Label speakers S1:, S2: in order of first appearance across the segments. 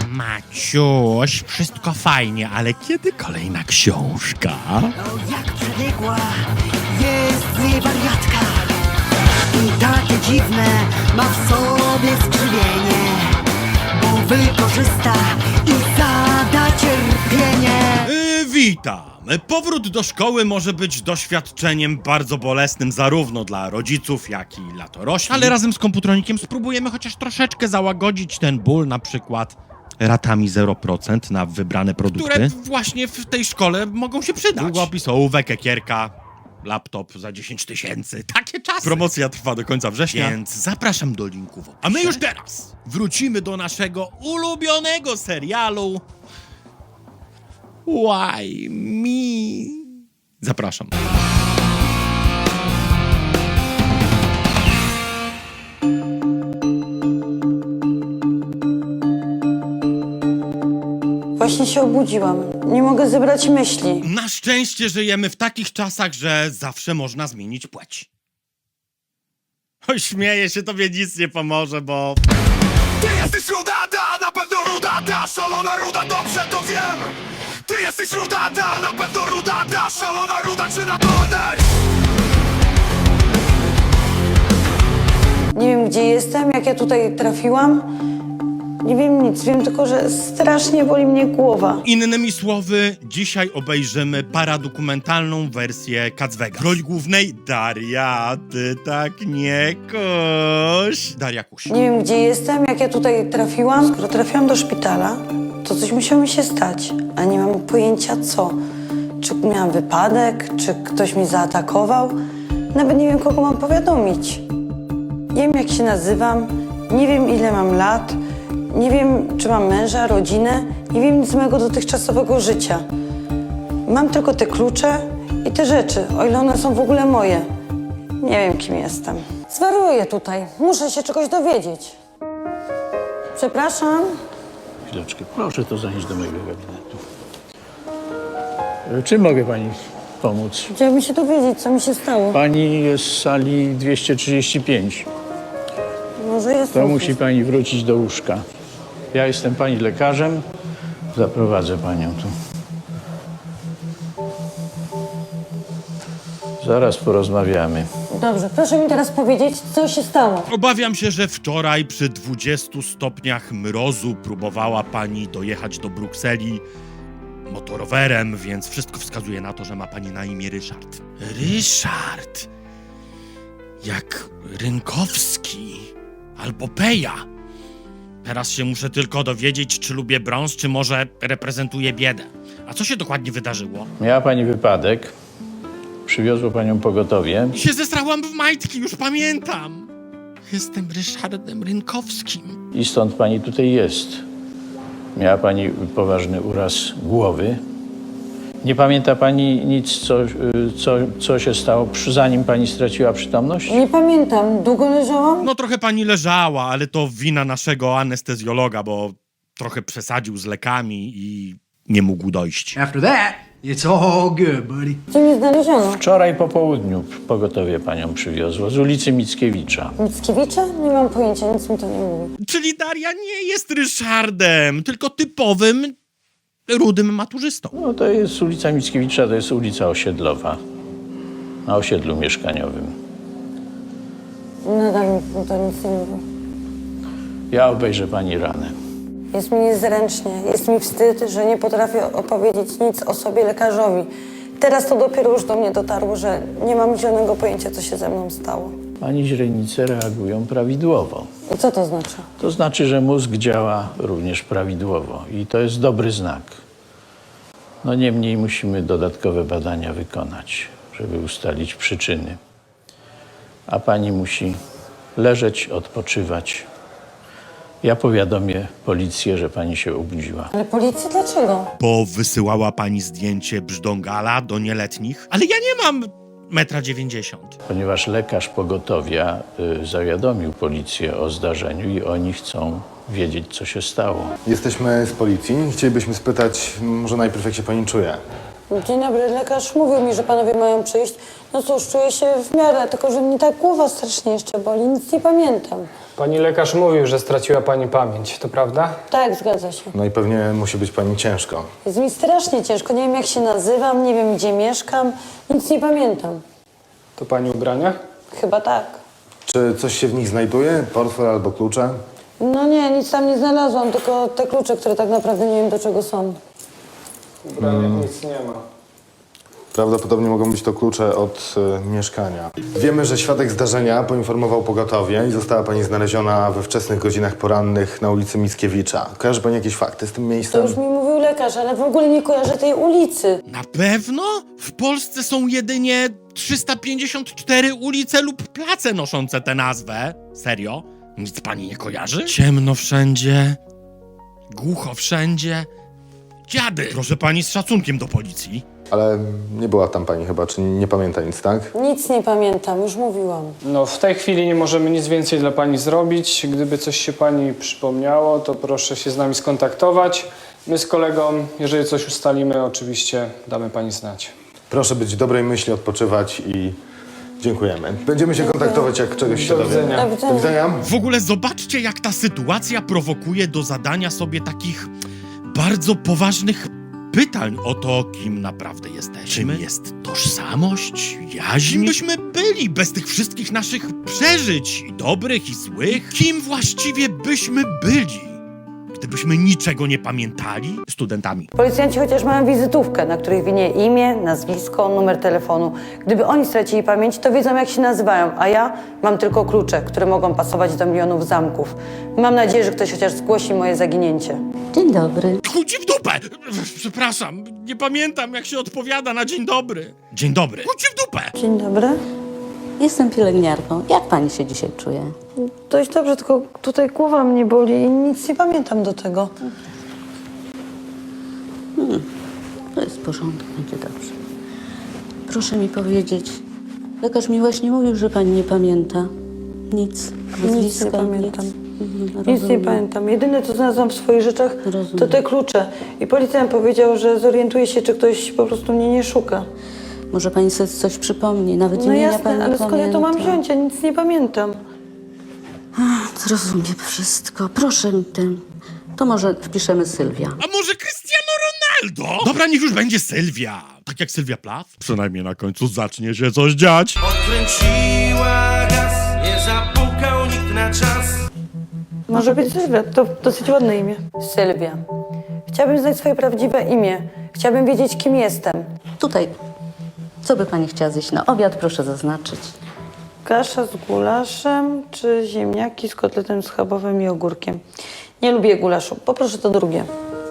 S1: Maciuś, wszystko fajnie, ale kiedy kolejna książka?
S2: O, jak przebiegła jest z niej wariatka i takie dziwne ma w sobie skrzywienie, bo wykorzysta i zada cierpienie.
S1: Witam. Powrót do szkoły może być doświadczeniem bardzo bolesnym zarówno dla rodziców, jak i dla dorośli. Ale razem z komputronikiem spróbujemy chociaż troszeczkę załagodzić ten ból, na przykład ratami 0% na wybrane produkty, które właśnie w tej szkole mogą się przydać. Długopis, ołówek, ekierka, laptop za 10 000. Takie czasy. Promocja trwa do końca września, więc zapraszam do linku w opisie. A my już teraz wrócimy do naszego ulubionego serialu Why Me? Zapraszam.
S3: Właśnie się obudziłam. Nie mogę zebrać myśli.
S1: Na szczęście żyjemy w takich czasach, że zawsze można zmienić płeć. Oj, śmieję się, tobie nic nie pomoże, bo...
S4: Ty jesteś rudada, na pewno rudada, szalona ruda, dobrze to wiem. Ty jesteś rudada, na pewno rudada, szalona ruda, czy na dole?
S3: Nie wiem, gdzie jestem, jak ja tutaj trafiłam. Nie wiem nic, wiem tylko, że strasznie boli mnie głowa.
S1: Innymi słowy, dzisiaj obejrzymy paradokumentalną wersję Kacwega. W roli głównej Daria, ty tak nie koś. Daria Kuś.
S3: Nie wiem, gdzie jestem, jak ja tutaj trafiłam. Skoro trafiłam do szpitala, to coś musiało mi się stać, a nie mam pojęcia co. Czy miałam wypadek, czy ktoś mi zaatakował. Nawet nie wiem, kogo mam powiadomić. Nie wiem, jak się nazywam, nie wiem, ile mam lat. Nie wiem, czy mam męża, rodzinę. Nie wiem nic z mojego dotychczasowego życia. Mam tylko te klucze i te rzeczy, o ile one są w ogóle moje. Nie wiem, kim jestem. Zwariuję tutaj. Muszę się czegoś dowiedzieć. Przepraszam.
S5: Chwileczkę, proszę to zanieść do mojego gabinetu. Czym mogę pani pomóc?
S3: Chciałabym się dowiedzieć, co mi się stało.
S5: Pani jest w sali 235.
S3: Może jest
S5: To
S3: coś.
S5: musi pani wrócić do łóżka. Ja jestem pani lekarzem. Zaprowadzę panią tu. Zaraz porozmawiamy.
S3: Dobrze, proszę mi teraz powiedzieć, co się stało.
S1: Obawiam się, że wczoraj przy 20 stopniach mrozu próbowała pani dojechać do Brukseli motorowerem, więc wszystko wskazuje na to, że ma pani na imię Ryszard. Ryszard! Jak Rynkowski albo Peja. Teraz się muszę tylko dowiedzieć, czy lubię brąz, czy może reprezentuję biedę. A co się dokładnie wydarzyło?
S5: Miała pani wypadek. Przywiozło panią pogotowie.
S1: I się zesrałam w majtki, już pamiętam. Jestem Ryszardem Rynkowskim.
S5: I stąd pani tutaj jest. Miała pani poważny uraz głowy. Nie pamięta pani nic, co się stało, zanim pani straciła przytomność?
S3: Nie pamiętam. Długo leżałam?
S1: No trochę pani leżała, ale to wina naszego anestezjologa, bo trochę przesadził z lekami i nie mógł dojść.
S6: After that, it's all good, buddy.
S3: Gdzie mnie znaleziono?
S5: Wczoraj po południu pogotowie panią przywiozło z ulicy Mickiewicza.
S3: Mickiewicza? Nie mam pojęcia, nic mi to nie mówi.
S1: Czyli Daria nie jest Ryszardem, tylko typowym rudym maturzystą.
S5: No to jest ulica Mickiewicza, to jest ulica osiedlowa, na osiedlu mieszkaniowym.
S3: Nadal mi to nic nie mówi.
S5: Ja obejrzę pani ranę.
S3: Jest mi niezręcznie, jest mi wstyd, że nie potrafię opowiedzieć nic o sobie lekarzowi. Teraz to dopiero już do mnie dotarło, że nie mam zielonego pojęcia, co się ze mną stało.
S5: Pani źrenice reagują prawidłowo.
S3: I co to znaczy?
S5: To znaczy, że mózg działa również prawidłowo i to jest dobry znak. No niemniej musimy dodatkowe badania wykonać, żeby ustalić przyczyny. A pani musi leżeć, odpoczywać. Ja powiadomię policję, że pani się obudziła.
S3: Ale policja dlaczego?
S1: Bo wysyłała pani zdjęcie brzdągala do nieletnich, ale ja nie mam 1,90 m.
S5: Ponieważ lekarz pogotowia zawiadomił policję o zdarzeniu i oni chcą wiedzieć, co się stało.
S7: Jesteśmy z policji. Chcielibyśmy spytać, może najpierw jak się pani czuje?
S3: Dzień dobry, lekarz mówił mi, że panowie mają przyjść. No cóż, czuję się w miarę, tylko że mnie tak głowa strasznie jeszcze boli, nic nie pamiętam.
S8: Pani lekarz mówił, że straciła pani pamięć, to prawda?
S3: Tak, zgadza się.
S7: No i pewnie musi być pani ciężko.
S3: Jest mi strasznie ciężko. Nie wiem, jak się nazywam, nie wiem, gdzie mieszkam. Nic nie pamiętam.
S8: To pani ubrania?
S3: Chyba tak.
S7: Czy coś się w nich znajduje? Portfel albo klucze?
S3: No nie, nic tam nie znalazłam, tylko te klucze, które tak naprawdę nie wiem, do czego są.
S8: W ubraniach nic nie ma.
S7: Prawdopodobnie mogą być to klucze od mieszkania. Wiemy, że świadek zdarzenia poinformował pogotowie i została pani znaleziona we wczesnych godzinach porannych na ulicy Mickiewicza. Kojarzy pani jakieś fakty z tym
S3: To
S7: miejscem?
S3: już mi mówił lekarz, ale w ogóle nie kojarzę tej ulicy.
S1: Na pewno? W Polsce są jedynie 354 ulice lub place noszące tę nazwę. Serio? Nic pani nie kojarzy? Ciemno wszędzie, głucho wszędzie. Dziady! Proszę pani z szacunkiem do policji.
S7: Ale nie była tam pani chyba, czy nie pamięta nic, tak?
S3: Nic nie pamiętam, już mówiłam.
S8: No w tej chwili nie możemy nic więcej dla pani zrobić. Gdyby coś się pani przypomniało, to proszę się z nami skontaktować. My z kolegą, jeżeli coś ustalimy, oczywiście damy pani znać.
S7: Proszę być dobrej myśli, odpoczywać i dziękujemy. Będziemy się kontaktować, jak czegoś się
S8: Do
S7: dowiemy.
S8: widzenia.
S3: Do
S7: Do widzenia.
S1: W ogóle zobaczcie, jak ta sytuacja prowokuje do zadania sobie takich bardzo poważnych pytań o to, kim naprawdę jesteśmy. Czym jest tożsamość, jaźń? Kim byśmy byli bez tych wszystkich naszych przeżyć, i dobrych, i złych? Kim właściwie byśmy byli, gdybyśmy niczego nie pamiętali? Studentami.
S3: Policjanci chociaż mają wizytówkę, na której winie imię, nazwisko, numer telefonu. Gdyby oni stracili pamięć, to wiedzą, jak się nazywają, a ja mam tylko klucze, które mogą pasować do milionów zamków. Mam nadzieję, że ktoś chociaż zgłosi moje zaginięcie.
S9: Dzień dobry.
S1: Chuj ci w dupę! Przepraszam, nie pamiętam, jak się odpowiada na dzień dobry. Dzień dobry. Chuj ci w dupę!
S3: Dzień dobry.
S9: Jestem pielęgniarką. Jak pani się dzisiaj czuje?
S3: Dość dobrze, tylko tutaj głowa mnie boli i nic nie pamiętam do tego.
S9: To jest w porządku, będzie dobrze. Proszę mi powiedzieć, lekarz mi właśnie mówił, że pani nie pamięta. Nic.
S3: Nic
S9: Nazwiska,
S3: nie pamiętam.
S9: Nic,
S3: Nic nie
S9: rozumiem.
S3: pamiętam. Jedyne, co znalazłam w swoich rzeczach,
S9: Rozumiem.
S3: to te klucze. I policjant powiedział, że zorientuje się, czy ktoś po prostu mnie nie szuka.
S9: Może pani sobie coś przypomni, nawet
S3: No
S9: imienia
S3: jasne,
S9: pani nie
S3: ale skąd ja to mam
S9: pamięta.
S3: wziąć? Ja nic nie pamiętam.
S9: Zrozumiem wszystko. Proszę mi tym. To może wpiszemy Sylwia.
S1: A może Cristiano Ronaldo? Dobra, niech już będzie Sylwia. Tak jak Sylwia Plath. Przynajmniej na końcu zacznie się coś dziać.
S4: Odkręciła gaz, nie zapukał nikt na czas.
S3: Może być Sylwia, to dosyć ładne imię. Sylwia. Chciałabym znać swoje prawdziwe imię. Chciałabym wiedzieć, kim jestem.
S9: Tutaj. Co by pani chciała zjeść na obiad? Proszę zaznaczyć.
S3: Kasza z gulaszem, czy ziemniaki z kotletem schabowym i ogórkiem? Nie lubię gulaszu. Poproszę to drugie.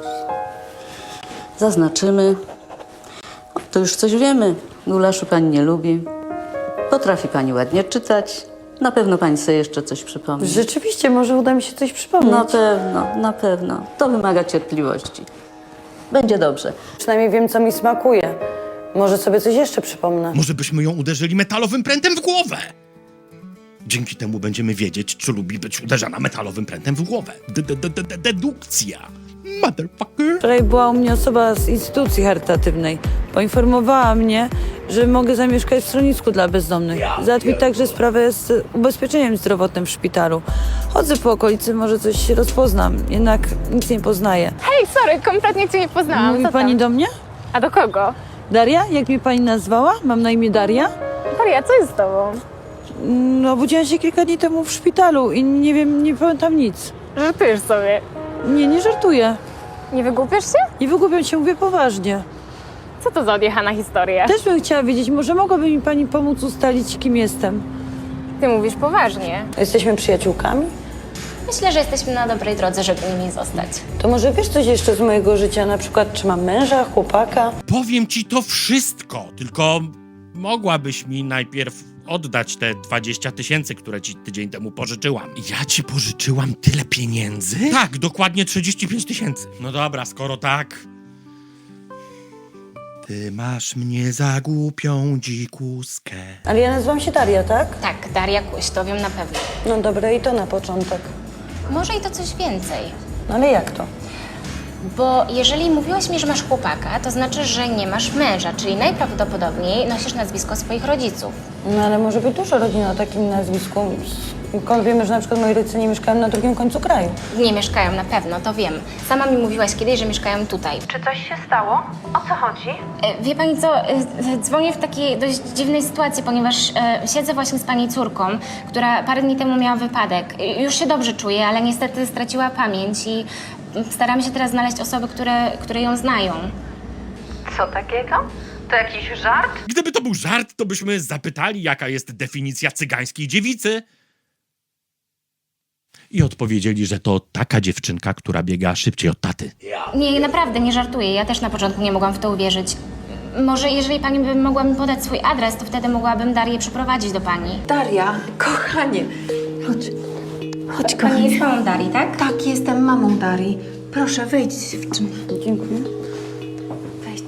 S9: Zaznaczymy. O, to już coś wiemy. Gulaszu pani nie lubi. Potrafi pani ładnie czytać. Na pewno pani sobie jeszcze coś przypomni.
S3: Rzeczywiście, może uda mi się coś przypomnieć.
S9: Na pewno, na pewno. To wymaga cierpliwości. Będzie dobrze.
S3: Przynajmniej wiem, co mi smakuje. Może sobie coś jeszcze przypomnę.
S1: Może byśmy ją uderzyli metalowym prętem w głowę. Dzięki temu będziemy wiedzieć, czy lubi być uderzana metalowym prętem w głowę. Dedukcja. Motherfucker.
S3: Wczoraj była u mnie osoba z instytucji charytatywnej. Poinformowała mnie, że mogę zamieszkać w schronisku dla bezdomnych. Załatwi także sprawę z ubezpieczeniem zdrowotnym w szpitalu. Chodzę po okolicy, może coś się rozpoznam, jednak nic nie poznaję.
S10: Hej, sorry, kompletnie cię nie poznałam.
S3: Mówi
S10: Co
S3: pani
S10: tam?
S3: do mnie?
S10: A do kogo?
S3: Daria? Jak mnie pani nazwała? Mam na imię Daria?
S10: Maria, co jest z tobą?
S3: No, obudziłam się kilka dni temu w szpitalu i nie wiem, nie pamiętam nic.
S10: Żartujesz sobie.
S3: Nie żartuję.
S10: Nie wygłupiasz się?
S3: Nie wygłupiam się, mówię poważnie.
S10: Co to za odjechana historia?
S3: Też bym chciała wiedzieć, może mogłaby mi pani pomóc ustalić, kim jestem?
S10: Ty mówisz poważnie.
S3: Jesteśmy przyjaciółkami?
S11: Myślę, że jesteśmy na dobrej drodze, żeby nimi zostać.
S3: To może wiesz coś jeszcze z mojego życia, na przykład czy mam męża, chłopaka?
S1: Powiem ci to wszystko, tylko mogłabyś mi najpierw oddać te 20 000, które ci tydzień temu pożyczyłam. Ja ci pożyczyłam tyle pieniędzy? Tak, dokładnie 35 000. No dobra, skoro tak... Ty masz mnie za głupią dzikuskę.
S3: Ale ja nazywam się Daria, tak?
S11: Tak, Daria Kuś, to wiem na pewno.
S3: No dobra, i to na początek.
S11: Może i to coś więcej.
S3: No ale jak to?
S11: Bo jeżeli mówiłaś mi, że masz chłopaka, to znaczy, że nie masz męża, czyli najprawdopodobniej nosisz nazwisko swoich rodziców.
S3: No ale może być dużo rodzin o takim nazwisku. Wiemy, że na przykład moi rodzice nie mieszkają na drugim końcu kraju.
S11: Nie mieszkają na pewno, to wiem. Sama mi mówiłaś kiedyś, że mieszkają tutaj.
S10: Czy coś się stało? O co chodzi?
S11: Wie pani co, dzwonię w takiej dość dziwnej sytuacji, ponieważ siedzę właśnie z pani córką, która parę dni temu miała wypadek. Już się dobrze czuje, ale niestety straciła pamięć i staramy się teraz znaleźć osoby, które ją znają.
S10: Co takiego? To jakiś żart?
S1: Gdyby to był żart, to byśmy zapytali, jaka jest definicja cygańskiej dziewicy. I odpowiedzieli, że to taka dziewczynka, która biega szybciej od taty.
S11: Nie, naprawdę, nie żartuję. Ja też na początku nie mogłam w to uwierzyć. Może jeżeli pani by mogła mi podać swój adres, to wtedy mogłabym Darię przyprowadzić do pani.
S12: Daria, kochanie, chodź. Chodź,
S11: Pani
S12: kochanie.
S11: jest mamą Darii, tak?
S12: Tak, jestem mamą Darii. Proszę, wejdź, dziewczyno.
S3: Dziękuję.
S12: Wejdź.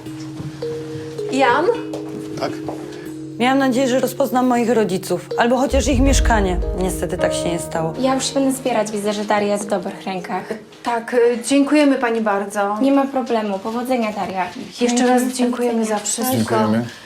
S12: Jan?
S7: Tak?
S3: Miałam nadzieję, że rozpoznam moich rodziców, albo chociaż ich mieszkanie. Niestety tak się nie stało.
S11: Ja już się będę zbierać, widzę, że Daria jest w dobrych rękach.
S12: Tak, dziękujemy pani bardzo.
S11: Nie ma problemu. Powodzenia, Daria.
S12: Jeszcze raz dziękujemy za wszystko.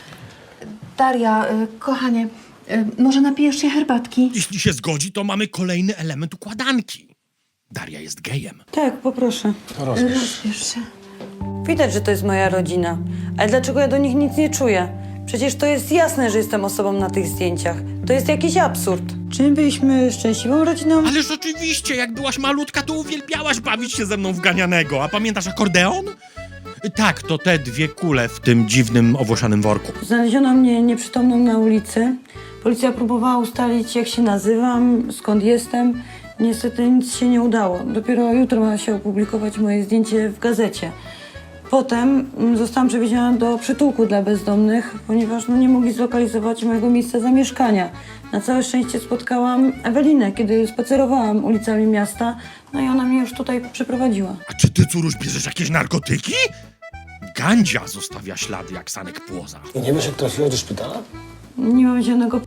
S12: Daria, kochanie, może napijesz się herbatki?
S1: Jeśli się zgodzi, to mamy kolejny element układanki. Daria jest gejem.
S3: Tak, poproszę.
S12: Rozbierz się.
S3: Widać, że to jest moja rodzina. Ale dlaczego ja do nich nic nie czuję? Przecież to jest jasne, że jestem osobą na tych zdjęciach. To jest jakiś absurd. Czy my byliśmy szczęśliwą rodziną?
S1: Ależ oczywiście, jak byłaś malutka, to uwielbiałaś bawić się ze mną w ganianego. A pamiętasz akordeon? Tak, to te dwie kule w tym dziwnym, owłosianym worku.
S3: Znaleziono mnie nieprzytomną na ulicy. Policja próbowała ustalić, jak się nazywam, skąd jestem. Niestety nic się nie udało. Dopiero jutro ma się opublikować moje zdjęcie w gazecie. Potem zostałam przewieziona do przytułku dla bezdomnych, ponieważ nie mogli zlokalizować mojego miejsca zamieszkania. Na całe szczęście spotkałam Ewelinę, kiedy spacerowałam ulicami miasta, no i ona mnie już tutaj przyprowadziła.
S1: A czy ty, córuś, bierzesz jakieś narkotyki? Gandzia zostawia ślady jak sanek płoza.
S6: I nie wiesz, jak trafiłaś do szpitala?
S3: Nie mam żadnego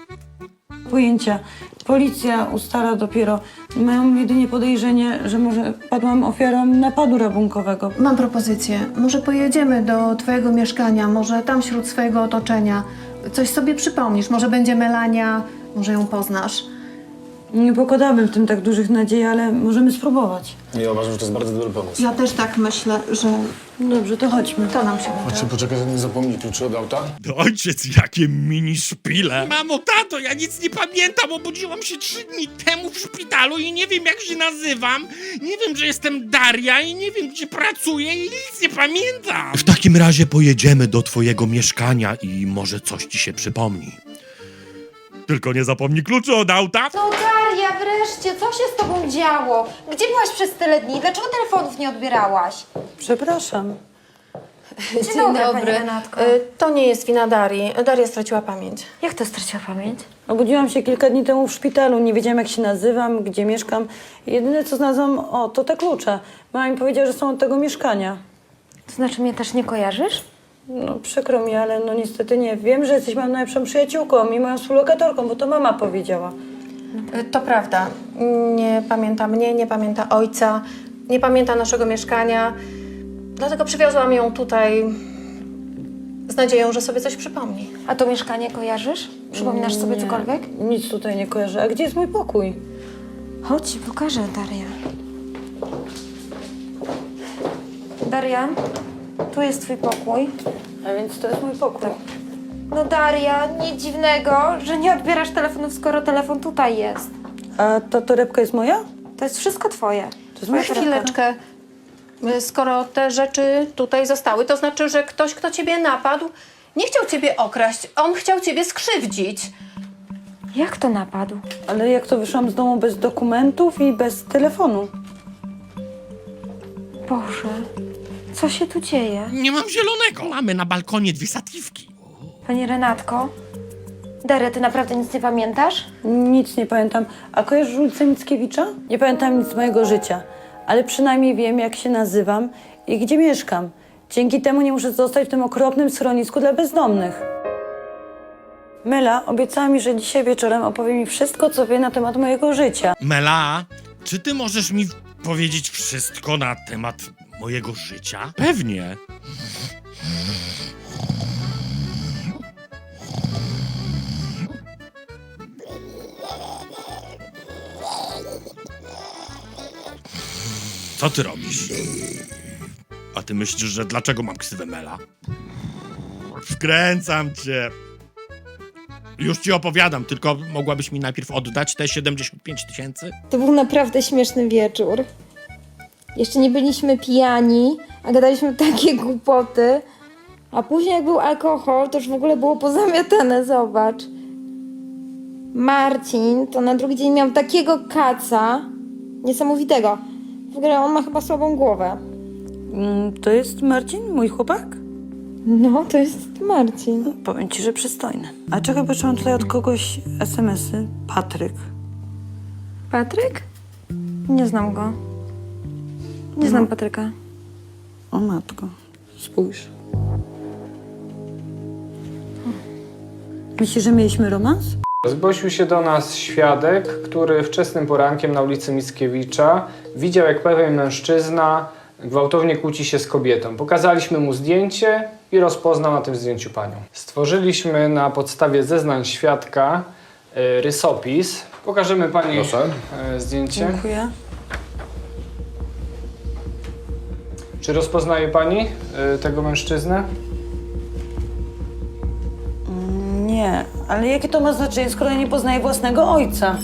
S3: pojęcia. Policja ustala dopiero. Mają jedynie podejrzenie, że może padłam ofiarą napadu rabunkowego.
S12: Mam propozycję. Może pojedziemy do twojego mieszkania, może tam wśród swojego otoczenia. Coś sobie przypomnisz, może będzie Melania, może ją poznasz.
S3: Nie pokładałabym w tym tak dużych nadziei, ale możemy spróbować.
S6: Ja uważam, że to jest bardzo dobry pomysł.
S12: Ja też tak myślę, że
S3: Dobrze, to chodźmy.
S12: to nam się uda.
S6: Chodźcie, poczekaj, nie zapomnij kluczy od auta.
S1: Ojciec, jakie mini szpile. Mamo, tato, ja nic nie pamiętam. Obudziłam się 3 dni temu w szpitalu i nie wiem, jak się nazywam. Nie wiem, że jestem Daria i nie wiem, gdzie pracuję i nic nie pamiętam. W takim razie pojedziemy do twojego mieszkania i może coś ci się przypomni. Tylko nie zapomnij kluczy od auta.
S13: No Daria, wreszcie, co się z tobą działo? Gdzie byłaś przez tyle dni? Dlaczego telefonów nie odbierałaś?
S3: Przepraszam.
S13: Dzień dobry, pani Renatko.
S12: To nie jest wina Darii. Daria straciła pamięć.
S13: Jak to straciła pamięć?
S3: Obudziłam się kilka dni temu w szpitalu. Nie wiedziałam, jak się nazywam, gdzie mieszkam. Jedyne, co znalazłam, to te klucze. Mama mi powiedziała, że są od tego mieszkania.
S13: To znaczy mnie też nie kojarzysz?
S3: No przykro mi, ale niestety nie. Wiem, że jesteś moją najlepszą przyjaciółką i moją współlokatorką, bo to mama powiedziała.
S12: To prawda. Nie pamięta mnie, nie pamięta ojca, nie pamięta naszego mieszkania. Dlatego przywiozłam ją tutaj z nadzieją, że sobie coś przypomni.
S13: A to mieszkanie kojarzysz? Przypominasz sobie cokolwiek?
S3: Nic tutaj nie kojarzę. A gdzie jest mój pokój?
S13: Chodź ci pokażę, Daria. Daria, tu jest twój pokój.
S3: A więc to jest mój pokój.
S13: No Daria, nic dziwnego, że nie odbierasz telefonów, skoro telefon tutaj jest.
S3: A ta torebka jest moja?
S13: To jest wszystko twoje.
S3: To jest moja torebka.
S12: Chwileczkę. Skoro te rzeczy tutaj zostały, to znaczy, że ktoś, kto ciebie napadł, nie chciał ciebie okraść. On chciał ciebie skrzywdzić.
S13: Jak to napadł?
S3: Ale jak to wyszłam z domu bez dokumentów i bez telefonu?
S13: Boże, co się tu dzieje?
S1: Nie mam zielonego. Mamy na balkonie 2 satiwki.
S13: Pani Renatko? Daria, ty naprawdę nic nie pamiętasz?
S3: Nic nie pamiętam. A kojarzysz ulicę Mickiewicza? Nie pamiętam nic z mojego życia. Ale przynajmniej wiem, jak się nazywam i gdzie mieszkam. Dzięki temu nie muszę zostać w tym okropnym schronisku dla bezdomnych. Mela obiecała mi, że dzisiaj wieczorem opowie mi wszystko, co wie na temat mojego życia.
S1: Mela, czy ty możesz mi powiedzieć wszystko na temat mojego życia? Pewnie. Co ty robisz? A ty myślisz, że dlaczego mam ksywę Mela? Wkręcam cię. Już ci opowiadam, tylko mogłabyś mi najpierw oddać te 75 000?
S13: To był naprawdę śmieszny wieczór. Jeszcze nie byliśmy pijani, a gadaliśmy takie głupoty. A później jak był alkohol, to już w ogóle było pozamiatane, zobacz. Marcin to na drugi dzień miał takiego kaca niesamowitego. W ogóle on ma chyba słabą głowę.
S3: To jest Marcin, mój chłopak?
S13: No, to jest Marcin.
S3: Powiem ci, że przystojny. A czego patrzyłam tutaj od kogoś SMS-y? Patryk.
S13: Patryk? Nie znam go. Nie znam Patryka.
S3: O matko, spójrz. Myślisz, że mieliśmy romans?
S8: Zgłosił się do nas świadek, który wczesnym porankiem na ulicy Mickiewicza widział, jak pewien mężczyzna gwałtownie kłóci się z kobietą. Pokazaliśmy mu zdjęcie i rozpoznał na tym zdjęciu panią. Stworzyliśmy na podstawie zeznań świadka rysopis. Pokażemy pani zdjęcie.
S3: Dziękuję.
S8: Czy rozpoznaje pani tego mężczyznę?
S3: Nie, ale jakie to ma znaczenie, skoro ja nie poznaję własnego ojca?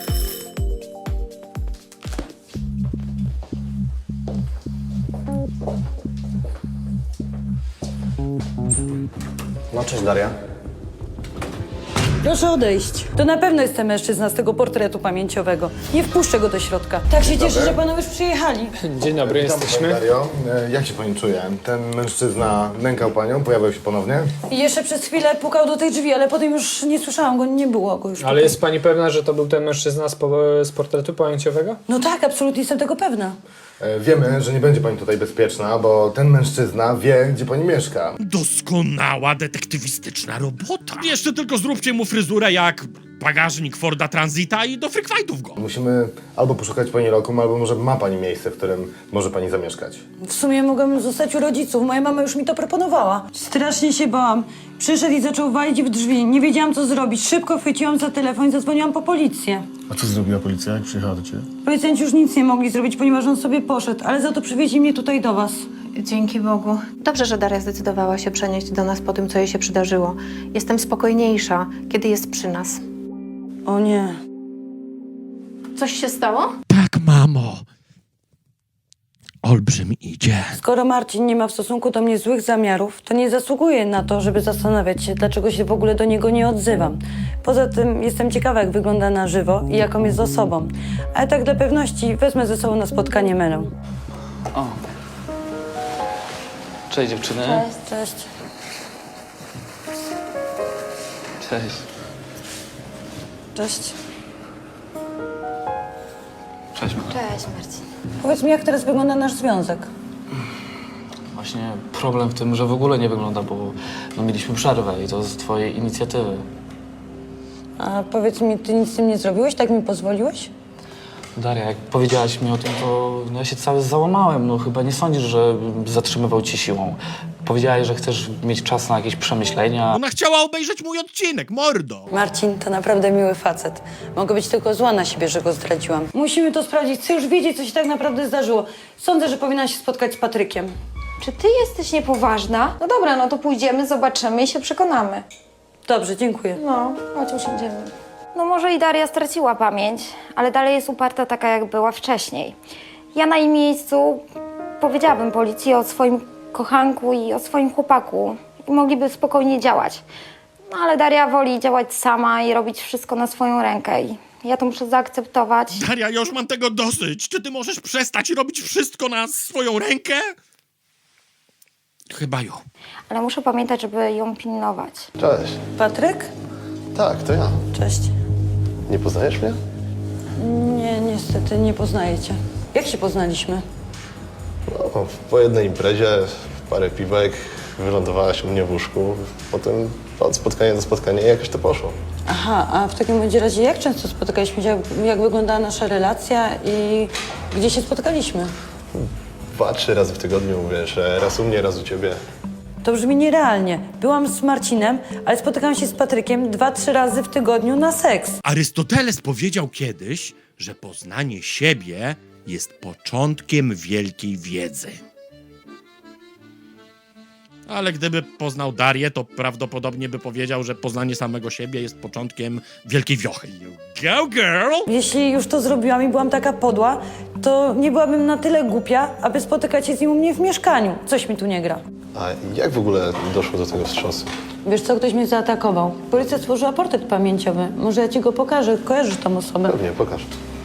S6: No cześć, Daria.
S3: Proszę odejść. To na pewno jest ten mężczyzna z tego portretu pamięciowego. Nie wpuszczę go do środka. Tak się cieszę, że panowie już przyjechali.
S8: Dzień dobry, jesteśmy.
S7: Dario, jak się pani czuje? Ten mężczyzna nękał panią, pojawiał się ponownie?
S3: I jeszcze przez chwilę pukał do tej drzwi, ale potem już nie słyszałam go, nie było go już.
S8: Ale jest pani pewna, że to był ten mężczyzna z portretu pamięciowego?
S3: No tak, absolutnie jestem tego pewna.
S7: Wiemy, że nie będzie pani tutaj bezpieczna, bo ten mężczyzna wie, gdzie pani mieszka.
S1: Doskonała detektywistyczna robota. Jeszcze tylko zróbcie mu fryzurę jak bagażnik Forda Transita i do freakfightów go.
S7: Musimy albo poszukać pani lokum, albo może ma pani miejsce, w którym może pani zamieszkać.
S3: W sumie mogłabym zostać u rodziców, moja mama już mi to proponowała. Strasznie się bałam. Przyszedł i zaczął walić w drzwi. Nie wiedziałam, co zrobić. Szybko chwyciłam za telefon i zadzwoniłam po policję.
S6: A co zrobiła policja, jak przyjechała do ciebie?
S3: Policjanci już nic nie mogli zrobić, ponieważ on sobie poszedł, ale za to przywieźli mnie tutaj do was.
S12: Dzięki Bogu. Dobrze, że Daria zdecydowała się przenieść do nas po tym, co jej się przydarzyło. Jestem spokojniejsza, kiedy jest przy nas.
S3: O nie.
S12: Coś się stało?
S1: Tak, mamo. Olbrzym idzie.
S3: Skoro Marcin nie ma w stosunku do mnie złych zamiarów, to nie zasługuje na to, żeby zastanawiać się, dlaczego się w ogóle do niego nie odzywam. Poza tym jestem ciekawa, jak wygląda na żywo i jaką jest osobą. Ale tak dla pewności wezmę ze sobą na spotkanie Melę.
S14: O. Cześć dziewczyny.
S3: Cześć.
S14: Cześć.
S3: Cześć.
S14: Cześć Mela.
S13: Cześć, Marcin.
S3: Powiedz mi, jak teraz wygląda nasz związek?
S14: Właśnie problem w tym, że w ogóle nie wygląda, bo mieliśmy przerwę i to z twojej inicjatywy.
S3: A powiedz mi, ty nic z tym nie zrobiłeś? Tak mi pozwoliłeś?
S14: Daria, jak powiedziałaś mi o tym, to ja się cały załamałem. No chyba nie sądzisz, że zatrzymywał cię siłą. Powiedziałaś, że chcesz mieć czas na jakieś przemyślenia.
S1: Ona chciała obejrzeć mój odcinek, mordo.
S3: Marcin to naprawdę miły facet. Mogę być tylko zła na siebie, że go zdradziłam. Musimy to sprawdzić. Chcę już wiedzieć, co się tak naprawdę zdarzyło. Sądzę, że powinna się spotkać z Patrykiem.
S13: Czy ty jesteś niepoważna? No dobra, no to pójdziemy, zobaczymy i się przekonamy.
S3: Dobrze, dziękuję.
S13: No, chodź usiądziemy. No może i Daria straciła pamięć, ale dalej jest uparta taka, jak była wcześniej. Ja na jej miejscu powiedziałabym policji o swoim kochanku i o swoim chłopaku i mogliby spokojnie działać. No ale Daria woli działać sama i robić wszystko na swoją rękę i ja to muszę zaakceptować.
S1: Daria, ja już mam tego dosyć. Czy ty możesz przestać robić wszystko na swoją rękę? Chyba jo.
S13: Ale muszę pamiętać, żeby ją pilnować.
S6: Cześć.
S3: Patryk?
S6: Tak, to ja.
S3: Cześć.
S6: Nie poznajesz mnie?
S3: Nie, niestety nie poznaję cię. Jak się poznaliśmy?
S6: No, po jednej imprezie, parę piwek, wylądowałaś u mnie w łóżku. Potem od spotkania do spotkania i jakoś to poszło.
S3: Aha, a w takim bądź razie jak często spotykaliśmy się? Jak wyglądała nasza relacja i gdzie się spotkaliśmy?
S6: 2-3 razy w tygodniu, wiesz, raz u mnie, raz u ciebie.
S3: To brzmi nierealnie. Byłam z Marcinem, ale spotykałam się z Patrykiem 2-3 razy w tygodniu na seks.
S1: Arystoteles powiedział kiedyś, że poznanie siebie jest początkiem wielkiej wiedzy. Ale gdyby poznał Darię, to prawdopodobnie by powiedział, że poznanie samego siebie jest początkiem wielkiej wiochy. You go, girl!
S3: Jeśli już to zrobiłam i byłam taka podła, to nie byłabym na tyle głupia, aby spotykać się z nim u mnie w mieszkaniu. Coś mi tu nie gra.
S6: A jak w ogóle doszło do tego wstrząsu?
S3: Wiesz co, ktoś mnie zaatakował. Policja stworzyła portret pamięciowy. Może ja ci go pokażę, kojarzysz tą osobę.
S6: Pewnie, pokaż.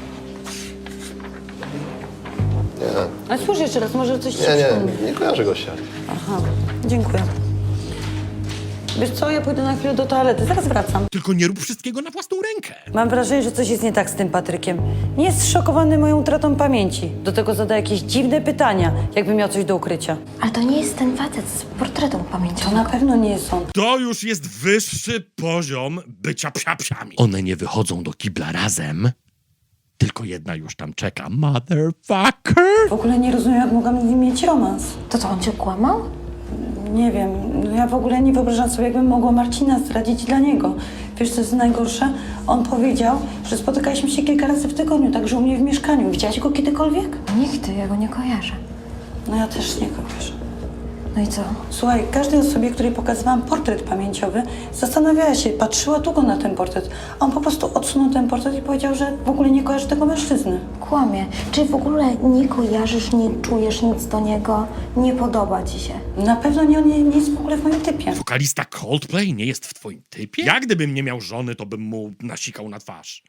S6: Nie,
S3: Ale spójrz jeszcze raz, może coś ci przypomni.
S6: nie kojarzę gościa.
S3: Aha, dziękuję. Wiesz co, ja pójdę na chwilę do toalety, zaraz wracam.
S1: Tylko nie rób wszystkiego na własną rękę.
S3: Mam wrażenie, że coś jest nie tak z tym Patrykiem. Nie jest zszokowany moją utratą pamięci. Do tego zada jakieś dziwne pytania, jakby miał coś do ukrycia.
S13: Ale to nie jest ten facet z portretu
S3: To
S13: pamięciowego.
S3: na pewno nie jest on.
S1: To już jest wyższy poziom bycia psiapsiami. One nie wychodzą do kibla razem, tylko jedna już tam czeka. Motherfucker!
S3: W ogóle nie rozumiem, jak mogłam z nim mieć romans.
S13: To co, on cię kłamał?
S3: Nie wiem, ja w ogóle nie wyobrażam sobie, jakbym mogła Marcina zdradzić dla niego. Wiesz, co jest najgorsze? On powiedział, że spotykaliśmy się kilka razy w tygodniu, także u mnie w mieszkaniu. Widziałaś go kiedykolwiek?
S13: Nigdy, ja go nie kojarzę.
S3: No ja też nie kojarzę.
S13: No i co?
S3: Słuchaj, każdej osobie, której pokazywałam portret pamięciowy, zastanawiała się, patrzyła długo na ten portret. A on po prostu odsunął ten portret i powiedział, że w ogóle nie kojarzy tego mężczyzny.
S13: Kłamie. Czy w ogóle nie kojarzysz, nie czujesz nic do niego? Nie podoba ci się?
S3: Na pewno nie, on nie jest w ogóle w moim typie.
S1: Wokalista Coldplay nie jest w twoim typie? Jak gdybym nie miał żony, to bym mu nasikał na twarz.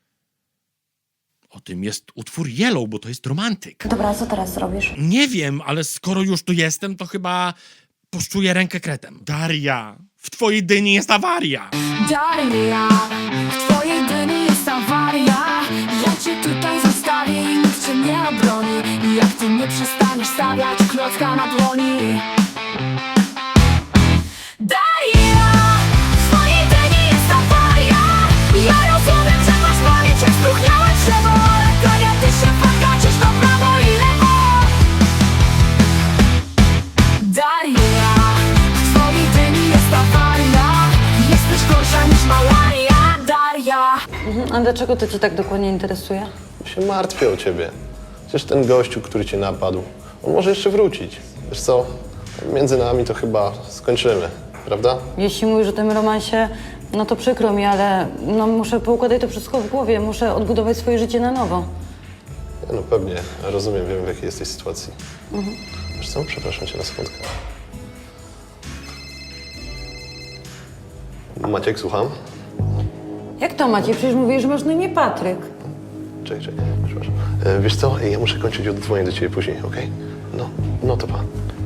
S1: O tym jest utwór Yellow, bo to jest romantyk.
S13: Dobra, a co teraz zrobisz?
S1: Nie wiem, ale skoro już tu jestem, to chyba poszczuję rękę kretem. Daria, w twojej dyni jest awaria.
S15: Daria, w twojej dyni jest awaria. Ja cię tutaj zostawię i nikt cię nie obroni. I jak ty nie przestaniesz stawiać klocka na dłoni. Daria, w twojej dyni jest awaria. Ja rozumiem, że masz pamięć jak spróchniałe drzewo, ale Daria, ty się pagacisz na prawo i lewo. Daria, w twojej dyni jest awaria. Jesteś gorsza niż malaria, Daria.
S3: A dlaczego to cię tak dokładnie interesuje?
S6: Się martwię o ciebie. Przecież ten gościu, który cię napadł, on może jeszcze wrócić. Wiesz co, między nami to chyba skończymy, prawda?
S3: Jeśli mówisz o tym romansie, no to przykro mi, ale no muszę poukładać to wszystko w głowie. Muszę odbudować swoje życie na nowo.
S6: No pewnie, rozumiem, wiem w jakiej jesteś sytuacji. Wiesz co, przepraszam cię na sekundkę. Maciek, słucham?
S3: Jak to Maciej? Przecież mówisz, że masz na imię Patryk.
S6: Czekaj, przepraszam. Wiesz co, ja muszę kończyć, oddzwonię do ciebie później, okej? No to pa.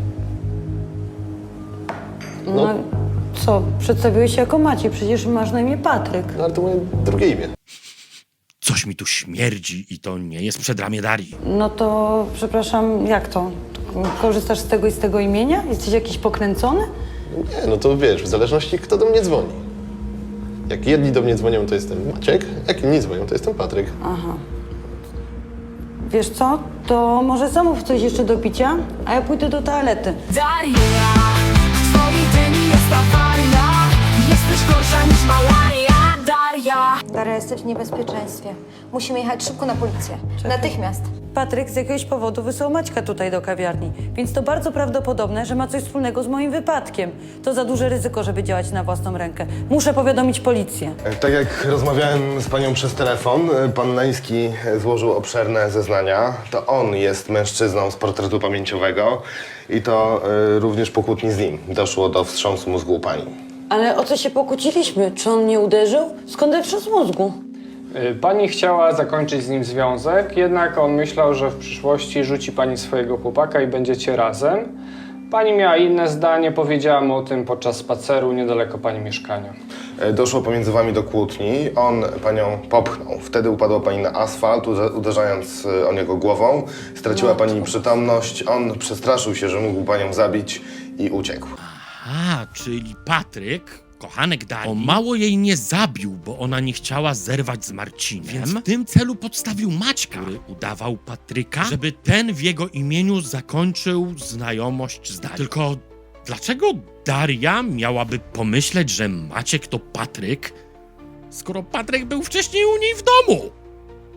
S3: No co, przedstawiłeś się jako Maciej, przecież masz na imię Patryk.
S6: No ale to moje drugie imię.
S1: Coś mi tu śmierdzi i to nie jest przedramię Darii.
S3: No to, przepraszam, jak to? Korzystasz z tego i z tego imienia? Jesteś jakiś pokręcony?
S6: Nie, no to wiesz, w zależności kto do mnie dzwoni. Jak jedni do mnie dzwonią, to jestem Maciek, jak inni dzwonią, to jestem Patryk.
S3: Aha. Wiesz co? To może zamów coś jeszcze do picia, a ja pójdę do toalety.
S15: Daria, w twojej dyni jest awaria. Jesteś gorsza niż malaria, Daria.
S13: Daria, jesteś w niebezpieczeństwie. Musimy jechać szybko na policję. Natychmiast.
S3: Patryk z jakiegoś powodu wysłał Maćka tutaj do kawiarni, więc to bardzo prawdopodobne, że ma coś wspólnego z moim wypadkiem. To za duże ryzyko, żeby działać na własną rękę. Muszę powiadomić policję.
S7: Tak jak rozmawiałem z panią przez telefon, pan Nański złożył obszerne zeznania. To on jest mężczyzną z portretu pamięciowego i to również po kłótni z nim doszło do wstrząsu mózgu u pani.
S3: Ale o co się pokłóciliśmy? Czy on mnie uderzył? Skąd ten wstrząs mózgu?
S8: Pani chciała zakończyć z nim związek, jednak on myślał, że w przyszłości rzuci pani swojego chłopaka i będziecie razem. Pani miała inne zdanie, powiedziała mu o tym podczas spaceru niedaleko pani mieszkania.
S7: Doszło pomiędzy wami do kłótni, on panią popchnął. Wtedy upadła pani na asfalt, uderzając o niego głową. Straciła pani przytomność, on przestraszył się, że mógł panią zabić i uciekł.
S1: A, czyli Patryk, kochanek Darii, o mało jej nie zabił, bo ona nie chciała zerwać z Marcinem, więc w tym celu podstawił Maćka, który udawał Patryka, żeby ten w jego imieniu zakończył znajomość z Darią. Tylko dlaczego Daria miałaby pomyśleć, że Maciek to Patryk, skoro Patryk był wcześniej u niej w domu?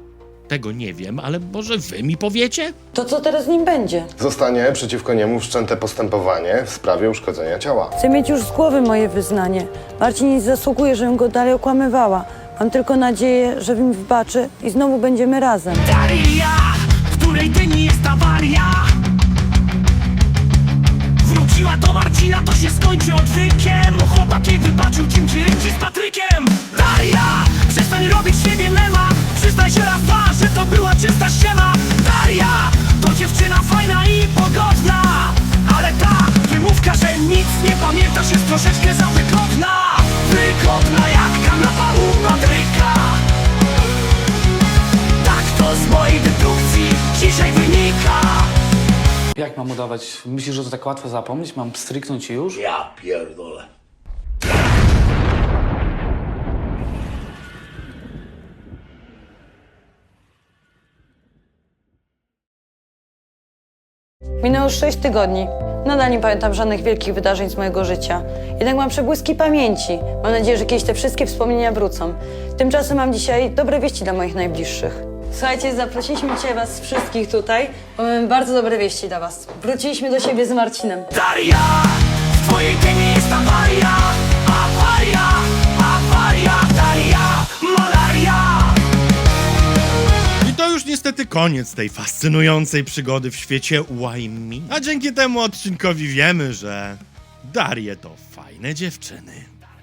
S1: Tego nie wiem, ale może wy mi powiecie?
S3: To co teraz z nim będzie?
S7: Zostanie przeciwko niemu wszczęte postępowanie w sprawie uszkodzenia ciała.
S3: Chcę mieć już z głowy moje wyznanie. Marcin nie zasługuje, żebym go dalej okłamywała. Mam tylko nadzieję, że mi wybaczy i znowu będziemy razem.
S4: Daria, w której dyni jest awaria. Wróciła do Marcina, to się skończy odwykiem. Chłopak jej wybaczył dzięki z Patrykiem. Daria, przestań robić siebie mema. Przyznaj się raz, dwa, że to była czysta ściema. Daria, to dziewczyna fajna i pogodna, ale ta wymówka, że nic nie pamiętasz, jest troszeczkę za wygodna. Wygodna jak kanapa u Patryka. Tak to z mojej dedukcji dzisiaj wynika.
S14: Jak mam udawać? Myślisz, że to tak łatwo zapomnieć? Mam stryknąć i już?
S4: Ja pierdolę.
S3: Minęło już 6 tygodni. Nadal nie pamiętam żadnych wielkich wydarzeń z mojego życia. Jednak mam przebłyski pamięci. Mam nadzieję, że kiedyś te wszystkie wspomnienia wrócą. Tymczasem mam dzisiaj dobre wieści dla moich najbliższych. Słuchajcie, zaprosiliśmy dzisiaj was wszystkich tutaj, bo mamy bardzo dobre wieści dla was. Wróciliśmy do siebie z Marcinem.
S4: Daria, w twojej dyni jest awaria. Awaria, awaria, Daria, malaria.
S1: I to już niestety koniec tej fascynującej przygody w świecie Why Me. A dzięki temu odcinkowi wiemy, że Darie to fajne dziewczyny.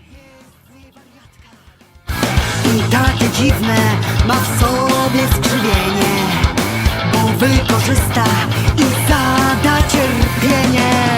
S2: I takie dziwne ma w sobie skrzywienie, bo wykorzysta i zada cierpienie.